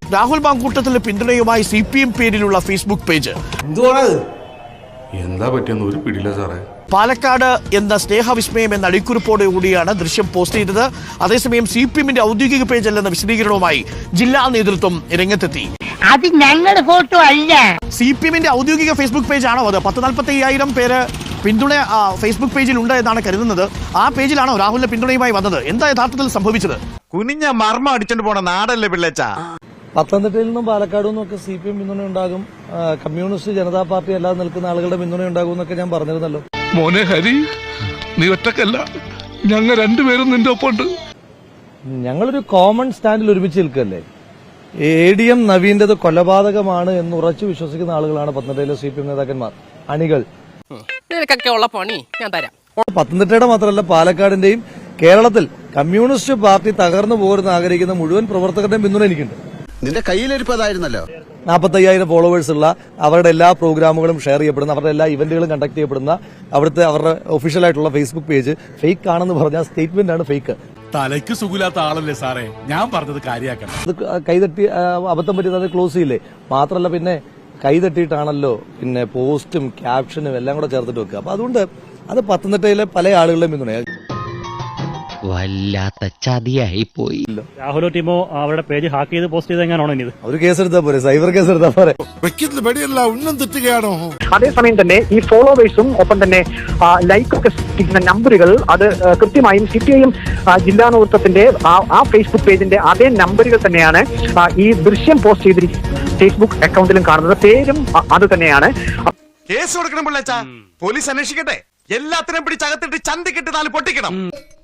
രാഹുൽ മാങ്കൂട്ടത്തിന്റെ പിന്തുണയുമായി CPM പേരിലുള്ള Facebook page. എന്താ പറ്റിയെന്ന് ഒരു പിടിയില്ല സാറേ. പാലക്കാട് എന്ന സ്നേഹവിസ്മയം എന്ന അടിക്കുറിപ്പോടുകൂടിയാണ് ദൃശ്യം പോസ്റ്റ് ചെയ്തത്. അതേസമയം CPMന്റെ ഔദ്യോഗിക പേജ് അല്ലെന്ന വിശദീകരണവുമായി ജില്ലാ നേതൃത്വം രംഗത്തെത്തി. അത് ഞങ്ങളുടെ ഫോട്ടോ അല്ല, CPMന്റെ ഔദ്യോഗിക ഫേസ്ബുക്ക് പേജാണോ അത്? 10,45,000 പേര് പിന്തുണ ഫേസ്ബുക്ക് പേജിൽ ഉണ്ട് എന്നാണ് കരുതുന്നത്. ആ പേജിലാണോ രാഹുലിന്റെ പിന്തുണയുമായി വന്നത്? എന്താ യഥാർത്ഥത്തിൽ സംഭവിച്ചത്? കുനിഞ്ഞ മർമ്മം അടിച്ചോണ്ട് പോണ നാടല്ലേ പിള്ളേച്ച. പത്തനംതിട്ടയിൽ നിന്നും പാലക്കാട് നിന്നും ഒക്കെ CPM പിന്തുണ ഉണ്ടാകും, കമ്മ്യൂണിസ്റ്റ് ജനതാ പാർട്ടി അല്ലാതെ നിൽക്കുന്ന ആളുകളുടെ പിന്തുണ ഉണ്ടാകും എന്നൊക്കെ ഞാൻ പറഞ്ഞിരുന്നല്ലോ. മോനെ ഹരി, നീ ഒറ്റക്കല്ല, ഞങ്ങൾ രണ്ടുപേരും നിന്റെ ഒപ്പമുണ്ട്. ഞങ്ങളൊരു കോമൺ സ്റ്റാൻഡിൽ ഒരുമിച്ച് നിൽക്കല്ലേ. ADM നവീന്റേത് കൊലപാതകമാണ് എന്ന് ഉറച്ചു വിശ്വസിക്കുന്ന ആളുകളാണ് പത്തനംതിട്ടയിലെ CPM നേതാക്കന്മാർ, അണികൾ. നിനക്കൊക്കെ ഉള്ള പണി ഞാൻ തരാം. പത്തനംതിട്ടയുടെ മാത്രമല്ല പാലക്കാടിന്റെയും കേരളത്തിൽ കമ്മ്യൂണിസ്റ്റ് പാർട്ടി തകർന്നു പോരുന്ന ആഗ്രഹിക്കുന്ന മുഴുവൻ പ്രവർത്തകരുടെയും പിന്തുണ എനിക്കുണ്ട്. നിന്റെ കയ്യിലിരിപ്പതായിരുന്നല്ലോ. 45,000 ഫോളോവേഴ്സ് ഉള്ള, അവരുടെ എല്ലാ പ്രോഗ്രാമുകളും ഷെയർ ചെയ്യപ്പെടുന്ന, അവരുടെ എല്ലാ ഇവന്റുകളും കണ്ടക്ട് ചെയ്യപ്പെടുന്ന അവരുടെ ഒഫീഷ്യൽ ആയിട്ടുള്ള ഫേസ്ബുക്ക് പേജ് ഫേക്ക് ആണെന്ന് പറഞ്ഞ സ്റ്റേറ്റ്മെന്റ് ആണ് ഫേക്ക്. തലയ്ക്ക് സുഖമില്ലാത്ത ആളല്ലേ സാറേ, ഞാൻ പറഞ്ഞത് കാര്യാക്കണം. അത് കൈതട്ടി അബദ്ധം പറ്റിയത് അത് ക്ലോസ് ചെയ്യില്ലേ. മാത്രമല്ല പിന്നെ കൈതട്ടിയിട്ടാണല്ലോ പിന്നെ പോസ്റ്റും ക്യാപ്ഷനും എല്ലാം കൂടെ ചേർത്തിട്ട് വെക്കുക. അപ്പൊ അതുകൊണ്ട് അത് പത്തനംതിട്ടയിലെ പല ആളുകളുടെയും പിന്തുണയാണ്. വല്ലാത്ത ചതിയായി പോയി. രാഹുലോ ടീമോ അവരുടെ പേജ് ഹാക്ക് ചെയ്ത് പോസ്റ്റ് ചെയ്ത് എങ്ങനെയാണോ ഇനി? ഒരു കേസെടുത്താൽ പോരെ, സൈബർ കേസ് എടുത്താൽ പോരെ. അതേസമയം തന്നെ ഈ ഫോളോവേഴ്സും ഒപ്പം തന്നെ ലൈക്ക് ഒക്കെ സൃഷ്ടിക്കുന്ന നമ്പറുകൾ അത് കൃത്യമായും CPIM ജില്ലാ നേതൃത്വത്തിന്റെ ആ ഫേസ്ബുക്ക് പേജിന്റെ അതേ നമ്പറുകൾ തന്നെയാണ് ഈ ദൃശ്യം പോസ്റ്റ് ചെയ്തിരിക്കുന്ന ഫേസ്ബുക്ക് അക്കൗണ്ടിലും കാണുന്നത്. പേരും അത് തന്നെയാണ്. കേസ് കൊടുക്കണം പിള്ളേച്ച, പോലീസ് അന്വേഷിക്കട്ടെ, എല്ലാത്തിനും പിടിച്ചകത്തിട്ട് ചന്തിക്കിട്ട് 4 പൊട്ടിക്കണം.